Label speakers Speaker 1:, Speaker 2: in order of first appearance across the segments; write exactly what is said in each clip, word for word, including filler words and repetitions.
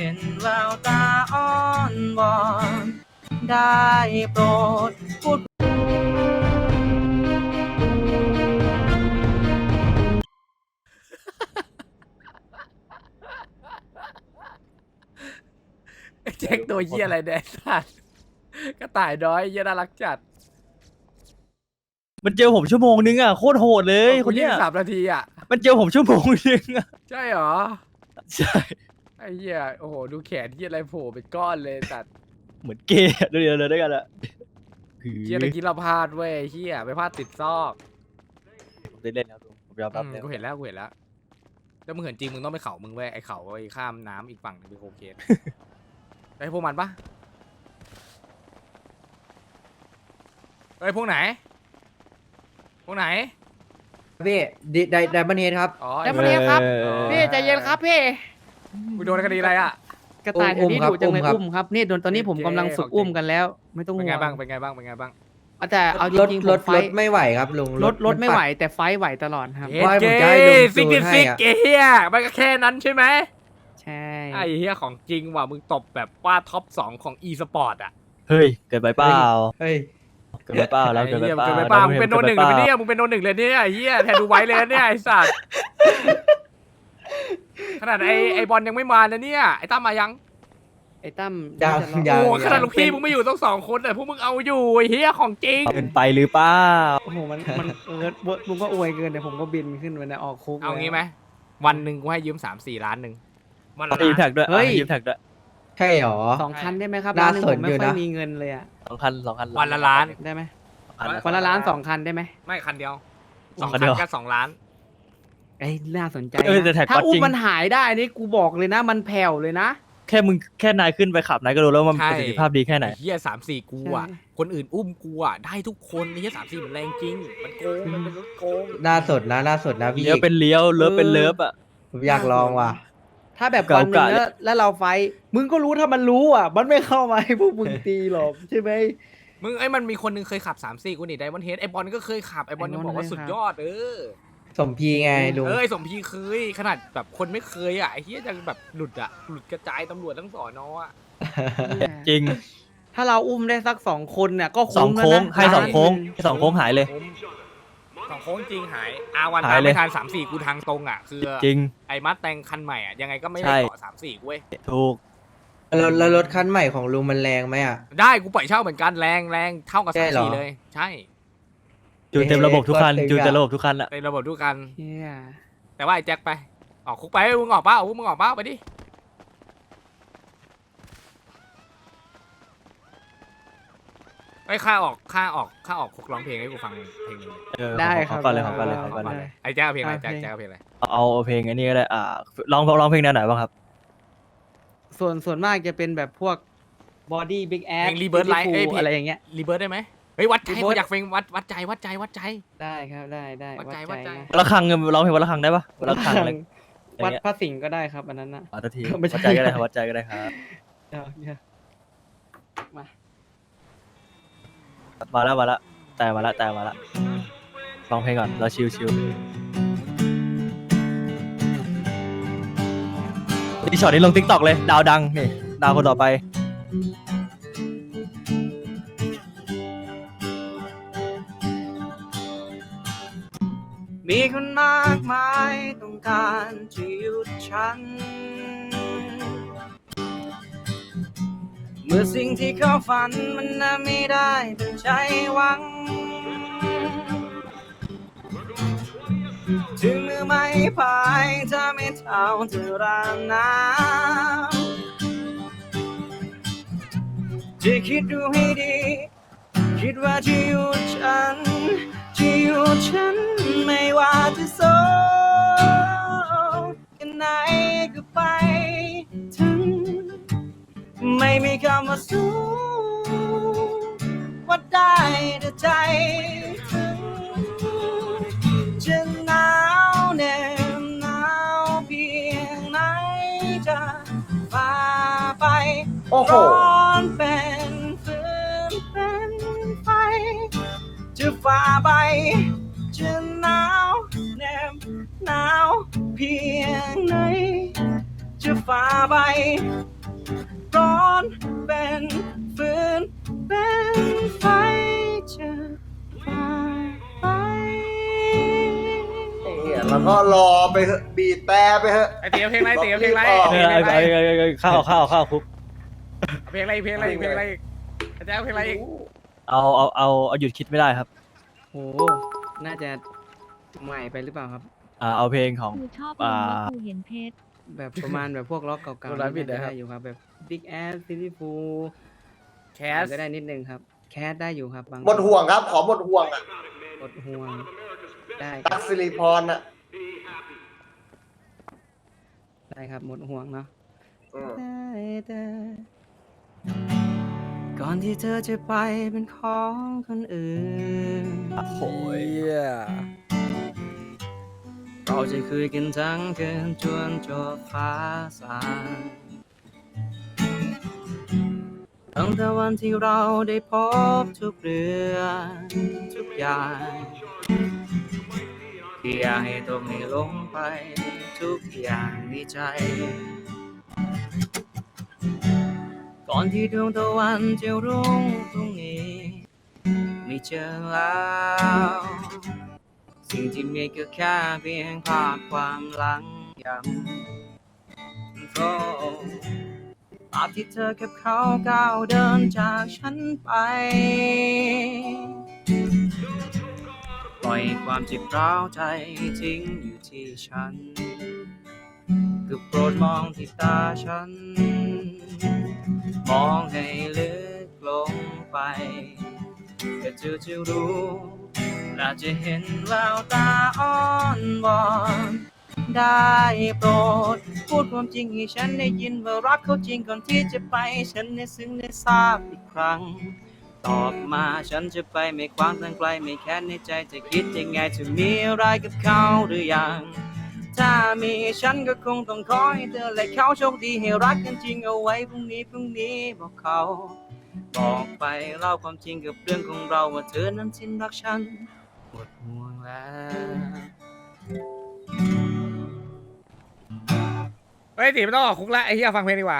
Speaker 1: ห็นแววตาอ้อนวอนได้โปรดพูด
Speaker 2: ไอ้แจ็คตัวเหี้ยอะไรเนี่ยสัตว์กระต่ายน้อยเหี้ยน่ารักจัด
Speaker 3: มันเจอผมชั่วโมงนึงอ่ะโคตรโหดเลยคนเนี้ย
Speaker 2: สามนาทีอ่ะ
Speaker 3: มันเจอผมชั่วโมงนึงอ่ะ
Speaker 2: ใช่เหรอ
Speaker 3: ใช่
Speaker 2: ไอ้เหี้ยโอ้โหดูแขนเหี้ยอะไรโผล่เป็นก้อนเลยสัตว์
Speaker 3: เหมือนเกย์เดียวเลยด้วยกันอะ
Speaker 2: เหี้ยตะกี้เราพลาดเว้ยเหี้ยไปพลาดติดซอก
Speaker 3: ผมได้เล่นแล้วผมยอมรับ
Speaker 2: อืม
Speaker 3: แล้ว
Speaker 2: กูเห็นแล้วกูเห็นแล้วแล้วมึงเห็นจริงมึงต้องไปเขามึงเว้ยไอ้เขาไอ้ข้ามน้ำอีกฝั่งหนึงเป็นโคเคนไอ้พวกมันปะเฮ้ยพวกไหนพวกไหน
Speaker 4: พี่ดิไดไดบันเฮดครับ
Speaker 2: อ๋อ
Speaker 5: แล้วมาเรียกครับ
Speaker 3: ออ
Speaker 5: พี่ใจเย็นครับพี่
Speaker 2: มึงโดนคดีอะไรอ่ะ
Speaker 5: กระต่ายแถวนี้
Speaker 4: อุ้มครับ
Speaker 5: ดุจังเลย
Speaker 4: อุ้มครับ
Speaker 5: อุ้มครับนี่โดนตอนนี้ผมกำลังฝึกอุ้มกันแล้ว ไม่ต้อง
Speaker 2: เป็น
Speaker 5: ห่
Speaker 2: ไง
Speaker 5: วง
Speaker 2: บ้างเป็นไงบ้างเป็นไงบ้าง
Speaker 5: แต่เอาจ
Speaker 4: รถ
Speaker 5: ริงๆผ
Speaker 4: ร
Speaker 5: ม
Speaker 4: ถ
Speaker 5: ไฟ
Speaker 4: รถไม่ไหวครับลุง
Speaker 5: รถรถ
Speaker 4: น
Speaker 5: ไม่ไหว
Speaker 4: ปัด
Speaker 5: แต่ไฟไหวตลอดครับ
Speaker 2: เฮ็ด
Speaker 4: ว่าให้
Speaker 2: เก
Speaker 4: ผมจะให้ลุง
Speaker 2: ซิก
Speaker 4: จู
Speaker 2: ซิ
Speaker 4: น
Speaker 2: ก
Speaker 4: ให้
Speaker 2: ซิก
Speaker 4: อะ
Speaker 2: เฮียมันก็แค่นั้นใช่ไหม
Speaker 5: ใช่
Speaker 2: ไอ้เฮียของจริงว่ะมึงตบแบบว่าท็อปสองของ e สปอร์ตอ่ะ
Speaker 3: เฮ้ยเกิดไปเปล่า
Speaker 4: เฮ้ย
Speaker 3: เกิดไปเปล่าแล้ว
Speaker 2: ไอ้
Speaker 3: เกิดไป
Speaker 2: เฮีย
Speaker 3: เปล่า
Speaker 2: เกิดไปเปล่า
Speaker 3: อง
Speaker 2: มึงเป็นโน
Speaker 3: กิด
Speaker 2: หนึ่ง
Speaker 3: ไป
Speaker 2: เลย
Speaker 3: ปล่า
Speaker 2: เนี่ยมึงเป็นโนหนึ่งเลยเนี่ยไอ้เฮียแทนดูไว้เลยเนี่ยไอ้สัตว์ขนาดไอ้ไอ้บอลยังไม่มานะเนี่ยไอ้ตั้มมายัง
Speaker 5: ไอ้ตั้ม
Speaker 4: ยัง
Speaker 5: น่าจะรอ
Speaker 4: ยัง
Speaker 2: โอ้ขนาดลูกพี่มึงไม่อยู่ต้องสองคนแต่พวกมึงเอาอยู่ไอ้เฮียของจริง
Speaker 3: เกินไปหรือเปล่า
Speaker 5: โอ้โหมันมันเออมึงก็อวยเกินเดี๋ยวผมก็บินขึ้นไปนะออกคุก
Speaker 2: เอางี้ไหม
Speaker 5: แล้ว
Speaker 2: วันหนึ่งกูให้ยืมสามสี่ล้านหนึ่งวันละ
Speaker 3: ให้ยืม
Speaker 2: ล้า
Speaker 3: แท็
Speaker 2: น
Speaker 3: กด้วย
Speaker 5: เฮ้ย
Speaker 3: ให้ยืมแท็กด้วย
Speaker 4: ใช่หรอ
Speaker 5: สองคันได้ไหมครับ
Speaker 4: น่า
Speaker 5: ร้านหนึง
Speaker 4: ส
Speaker 5: ผ
Speaker 4: น
Speaker 5: มไม่
Speaker 4: อยู่
Speaker 5: ค่อย
Speaker 4: นะ
Speaker 5: มีเงินเลยอะ
Speaker 3: สองคันสองคัน
Speaker 2: วันละล้าน
Speaker 5: ได้ไหม
Speaker 3: คัน
Speaker 5: วันละล้านสองคันได้ไหม
Speaker 2: ไม่คันเดียวสอง
Speaker 3: คั
Speaker 2: คั
Speaker 3: น
Speaker 2: น
Speaker 3: เดียว
Speaker 2: ก็สองล้าน
Speaker 5: ไอ้ยน่าสนใจ
Speaker 3: เออแต่แท็ก
Speaker 5: นะถ้า
Speaker 3: ก็
Speaker 5: อุ้
Speaker 3: จริ
Speaker 5: ม
Speaker 3: ง
Speaker 5: มันหายได้นี่กูบอกเลยนะ มันแผ่วเลยนะ
Speaker 3: แค่มึงแค่นายขึ้นไปขับนายก็รู้แล้วว่ามัน
Speaker 2: ใช่
Speaker 3: ประสิทธิภาพดีแค่ไหน
Speaker 2: เฮียสามสี่กูอ่ะ
Speaker 5: ใช่
Speaker 2: คนอื่นอุ้มกูอ่ะได้ทุกคนเฮียสามสี่มันแรงจริง มันโกงมันเป็นรถโกง
Speaker 4: น่าสดนะน่าสดนะพี่
Speaker 3: เลี้ยวเป็นเลี้ยวเลิฟเป็นเลิฟอ่ะ
Speaker 4: ผมอยากลองว่ะ
Speaker 5: ถ้าแบบ
Speaker 3: เก่า
Speaker 5: วันหนึง
Speaker 3: กะ
Speaker 5: แล้วแล้วเราไฟท์มึงก็รู้ถ้ามันรู้อ่ะ มันไม่เข้ามาให้พวกมึงตีหรอกใช่ไหม
Speaker 2: มึงไอ้มันมีคนนึงเคยขับสามสี่กูนี่ไดมอนเฮดไอ้บอลก็เคยขับไอ้บอลยังบอกว่า
Speaker 5: ไอ้บอล
Speaker 2: สุด
Speaker 5: เคยขับ
Speaker 2: ยอดเออ
Speaker 4: สมพีไงลุง
Speaker 2: เอ้ยสมพีเคยขนาดแบบคนไม่เคยอ่ะไอ้เฮียยังแบบหลุดอ่ะหลุดกระจายตำรวจทั้งสอนออ่ะ
Speaker 3: จริง
Speaker 5: ถ้าเราอุ้มได้สักสองคนเนี่ยก็
Speaker 3: สอง
Speaker 5: คุ้มแล้ว
Speaker 3: โค้ง
Speaker 5: นะ
Speaker 3: ให้สองโค้ง
Speaker 5: ล้านหนึ่
Speaker 3: ให้สองโค้งหายเลย
Speaker 2: สองโค้งจริงหายอาวัน
Speaker 3: หา
Speaker 2: ตาย ม
Speaker 3: เลย
Speaker 2: ไม่ทันสามสี่กูทางตรงอ่ะคือ
Speaker 3: จริง
Speaker 2: ไอ้มัดแตงคันใหม่อ่ะยังไงก็ไม่
Speaker 3: ใช่
Speaker 2: ได้เกาะสามสี่กูเว้ย
Speaker 3: ถูก
Speaker 4: แล้วแล้วรถคันใหม่ของลุงมันแรงไหมอ่ะ
Speaker 2: ได้กูปล่อยเช่าเหมือนกันแรงแรงเท่ากับ
Speaker 4: ใช่
Speaker 2: สาม
Speaker 4: เหรอ
Speaker 2: สี่เลย ใช่
Speaker 3: จูนเต็มระบบทุกคัน
Speaker 4: เอ๊ะ
Speaker 3: จูนเต็มระบบทุกคันอ่ะ
Speaker 2: ในระบบด้วยกัน
Speaker 5: เหี้ย
Speaker 2: แต่ว่าไอ้แจ็คไปออกคุกไปมึงออกเป้ามึงออกเป้าไปดิไอ้ยค่าออกค่าออกค่าออกคุกร้องเพลงให้กูฟังเพลงหนึงเลย
Speaker 3: เออ
Speaker 5: ได้
Speaker 3: ข
Speaker 5: ค
Speaker 3: อ
Speaker 5: รับ
Speaker 3: ก่อนเลยขอก่อนเลยขอก่อนเลย
Speaker 5: ได้
Speaker 2: ไอ้แจ็คเอาเพลงอะไร
Speaker 5: อ่ะ
Speaker 2: แจ็ค
Speaker 5: เพลง
Speaker 2: แจ็คเอาเพลงอะไร
Speaker 3: เอาเอาเพลงอันนี้ก็ได้อ่าร้องร้องเพลงแนวไหนบ้างครับ
Speaker 5: ส่วนส่วนมากจะเป็นแบบพวกบอดี้บิ๊กแอ
Speaker 2: เพลงรีเบิร์ดไลท์เอ้ยเพลง
Speaker 5: อะไรอย่างเงี้ย
Speaker 2: รีเบิร์ดได้ไหมเฮ้ยวัดใจ
Speaker 5: Rebirth
Speaker 2: กูอยากเพลงวัดวัดใจวัดใจวัดใจ
Speaker 5: ได้ครับได้ได้
Speaker 2: วัดใจวัดใจ
Speaker 5: นะ
Speaker 3: ละครังร้องเพลงวันละครังได้ปะวันละครังอะไร
Speaker 5: วัดพระสิงห์ก็ได้ครับอันนั้นนะ
Speaker 3: อ๋อทันที
Speaker 5: ไม่ใช่
Speaker 3: วัดใจก็ได้ครับวัดใจก็ได้ครับ
Speaker 5: เดี๋ยวเดี๋ยวมา
Speaker 3: มาแล้วมาแล้วแต่มาแล้วแต่มาแล้วฟังเพลงก่อนเราชิลชิลนี่ช็อตนี้ลงติ๊กต็อกเลยดาวดังนี่ดาวคนต่อไป
Speaker 1: มีคนมากมายต้องการจะหยุดฉัน เมื่อสิ่งที่เขาฝันมันน่ะไม่ได้เป็นใจหวัง ถึงมือไม่พายจะไม่เท่าเธอรางน้ำจะคิดดูให้ดี คิดว่าจะหยุดฉันจะหยุดฉันไม่ว่าจะโศกแค่ไหนก็ไปถึง ไม่มีคำว่าสู้ว่าได้แต่ใจถึงจะหนาวแน่หนาวเพียงไหนจะฝ่าไป
Speaker 4: โอ้โห
Speaker 1: ร้อนเป็นฟืนเป็นไฟ จะฝ่าไปจะหนาวแนบหนาวเพียงไหนจะฟ้าไปร้อนเป็นฟืนเป็นไฟจะพาไป
Speaker 6: ไอ้เหี้ยแล้วก็รอไปเถอะบีบแต่ไปเถอะ
Speaker 2: ไอเตี๋ยวเพลงไรเตี๋ยวเพลงไร
Speaker 3: เออไอ้ไอ้ไอ้ไอ้ข้าวข้าวข้าวคุก
Speaker 2: เพลงไรเพลงไรเพลงไรอาจารย์เพลงไรอีก
Speaker 3: เอาเอาเอาเอาหยุดคิดไม่ได้ครับ
Speaker 1: โหน่าจะใหม่ไปหรือเปล่าครับ
Speaker 3: อ่าเอาเพลงของ
Speaker 7: กูชอบ
Speaker 3: อ่า
Speaker 7: มึงแล้วกูเห็นเพชร
Speaker 1: แบบประมาณแบบพวกล็อกเก่าๆน่าจะได้อยู่ครับแบบ Big Ass Silly Fool
Speaker 2: แคส
Speaker 1: ก็ได้นิดนึงครับ แคสได้อยู่ครับบาง
Speaker 6: หมดห่วงครับ ขอหมดห่วงอ่ะ
Speaker 1: หมดห่วงได้ค
Speaker 6: ตั
Speaker 1: รั
Speaker 6: ก
Speaker 1: บ
Speaker 6: สิริพรอ่ะ
Speaker 1: ได้ครับหมดห่วงเนาะ
Speaker 6: อืม
Speaker 1: ได้แต่ก่อนที่เธอจะไปเป็นของคนอื่น
Speaker 3: โอ้ย
Speaker 1: เราจะคุยกันทั้งคืนจนจบฟ้าสางตั้งแต่วันที่เราได้พบทุกเรื่องทุกอย่างที่อยากให้ตกให้ลงไปทุกอย่างในใจ ก่อนที่ดวงตะวันจะรุ่งพรุ่งนี้ไม่เจอแล้วสิ่งที่มีก็แค่เพียงภาพความหลังย้ำโอ้ภาพที่เธอกับเขาก้าวเดินจากฉันไปปล่อยความเจ็บร้าวใจทิ้งอยู่ที่ฉันก็โปรดมองที่ตาฉันมองให้ลึกลงไปก็เธอจะรู้น่าจะเห็นแววตาอ่อนวอนได้โปรดพูดความจริงให้ฉันได้ยินว่ารักเขาจริงก่อนที่จะไปฉันได้ซึ้งได้ทราบอีกครั้งตอบมาฉันจะไปไม่ควางทางไกลไม่แค้นในใจจะคิดยังไงจะมีอะไรกับเขาหรือยังถ้ามีฉันก็คงต้องขอให้เธอและเขาโชคดีให้รักกันจริงเอาไว้พรุ่งนี้พรุ่งนี้บอกเขาบอกไปเล่าความจริงกับเรื่องของเราว่าเธอนั้นสิ้นรักฉันหมดห่วงแล้ว
Speaker 2: เฮ้ยตีไม่ต้องออกคุกละไอ้เหี้ยฟังเพลงดีกว่า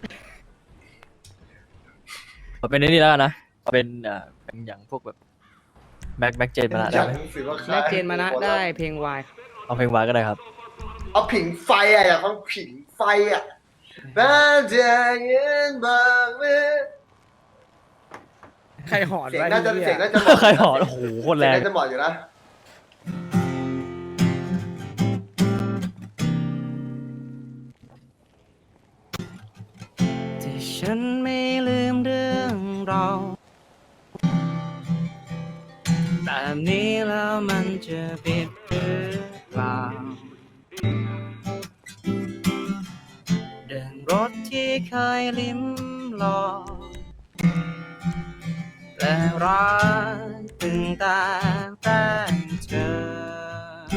Speaker 3: เอาเป็นไอ้นี่แล้วกันนะเอาเป็นอ่าเป็นอย่างพวกแบบแบ็คแบ็คเจนมาละ
Speaker 6: อ
Speaker 3: ได้
Speaker 6: ยาก
Speaker 3: ไหม
Speaker 6: รู้สึกว่า
Speaker 1: แม่เจนมานะได้เพลงวาย
Speaker 3: เอาเพลงวายก็ได้ครับ
Speaker 6: เอาผิงไฟอ่ะอยากฟังผิงไฟอ่ะน่าจะเย็นบางเมื่อ
Speaker 2: ใครหอน
Speaker 6: เสียง
Speaker 2: ไว้
Speaker 6: น่าจะ
Speaker 2: ไอ้
Speaker 6: เสียง
Speaker 2: เหี้ย
Speaker 6: น่าจะเหมาะ
Speaker 3: ใครหอนโอ้โหโคตรแรง
Speaker 6: เสียงน่าจะเหมาะอยู่นะ
Speaker 1: ที่ฉันไม่ลืมเรื่องเราแบบนี้แล้วมันจะผิดหรือเปล่าเดินรถที่เคยลิ้มลองและรักตึงตาแต่เธอ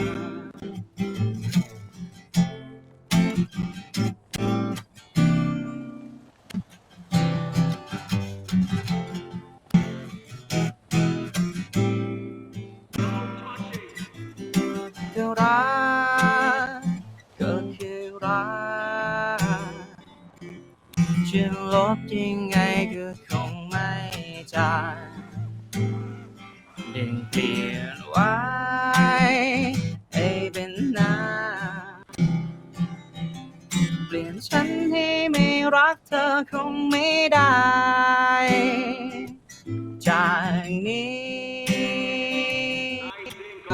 Speaker 1: ก็รักก็คือรักจะลบยังไงก็คงไม่จางดึงเปลี่ยนไว้ให้เป็นหน้าเปลี่ยนฉันให้ไม่รักเธอคงไม่ได้จากนี้ไป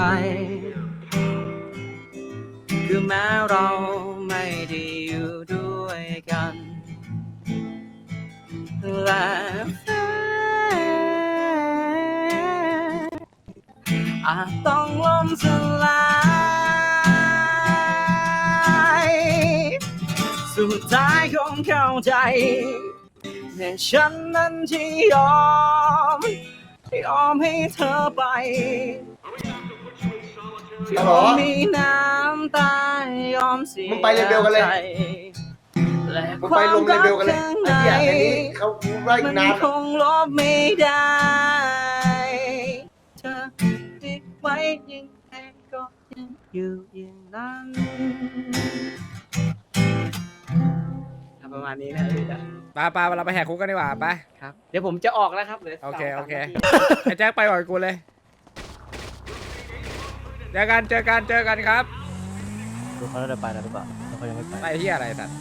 Speaker 1: คือแม้เราไม่ได้อยู่ด้วยกันและแฟนอาจต้องล่มสลายสุดท้ายคงเข้าใจแต่ฉันนั้นที่ยอมยอมให้เธอไปยอมมีน้ำตายอมเสีย
Speaker 6: มึงไปเลเวลกันเลย
Speaker 1: ใจและ
Speaker 6: มึง
Speaker 1: ค
Speaker 6: ไป
Speaker 1: วาม
Speaker 6: ลงเล
Speaker 1: รัก
Speaker 6: เวลกันเลย
Speaker 1: ข้าง
Speaker 6: ไอ้
Speaker 1: ใน
Speaker 6: เหี้ยอันนี้เขาไล่
Speaker 1: มัน
Speaker 6: นาน
Speaker 1: คงลบไม่ได้เธอติดไว้ยังไงก็ยังอยู่อย่างนั้น
Speaker 5: ประมาณนี้นะพี่จ๊ะ
Speaker 2: ไปไปเราไปแหกคุกกันดีกว่าไป
Speaker 5: ครับ เดี๋ยวผมจะออกแล้วครับหลื
Speaker 2: โอเค
Speaker 5: สง
Speaker 2: โอเค
Speaker 5: สามนาที
Speaker 2: ไอ้แจ็คไปก่อนกูเลยเจอกันเจอกันเจอกันครับ
Speaker 3: ดูเขาจะไปแล้วหรือเปล่าแล้วเขายังไม่ไป
Speaker 2: ไปที่อะไรสัตว์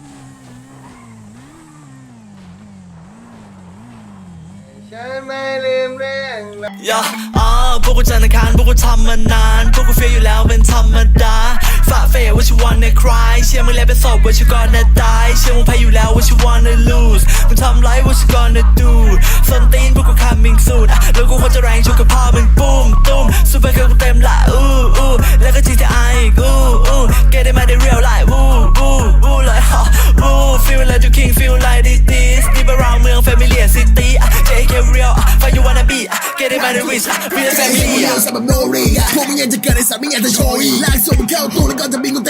Speaker 6: ฉันไม่ลืมเรื่องราว
Speaker 7: ย่าอ่าพวกกูจันทร์อังคารพวกกูทำมานาน พวกกูเฟียอยู่แล้วเป็นธรรมดาฝ่าเฟยว่าชิวันในคลายเชื่อมึงแล้วเป็นศพว่าชิวก่อนจะตายเชื่อมึงแพ้อยู่แล้วว่าชิวันใน lose มึงทำไรว่าชิวันใน do ส้นตีนพวกกู coming soon อ่ะแล้วกูควรจะแรงชุกกับพ่อมึงปุ้มตุ้มซูเปอร์เกิร์ลกูเต็มละอู้อู้แล้วก็ จี ที ไอ อีกอู้อู้ get it มาได้ real life วู้วู้วู้เลยฮะวู้ feel like you king feel like this this deep around เมือง familiar city อ่ะ เจ เค real อ่ะ find you wanna be อ่ะ get it มาได้ rich อ่ะ real family อ่ะ
Speaker 8: พวกมึงยังจะเกิดในสามไม่อยากจะโชยลากส่งมึงเข้าตู้แล้วก็จะบินกู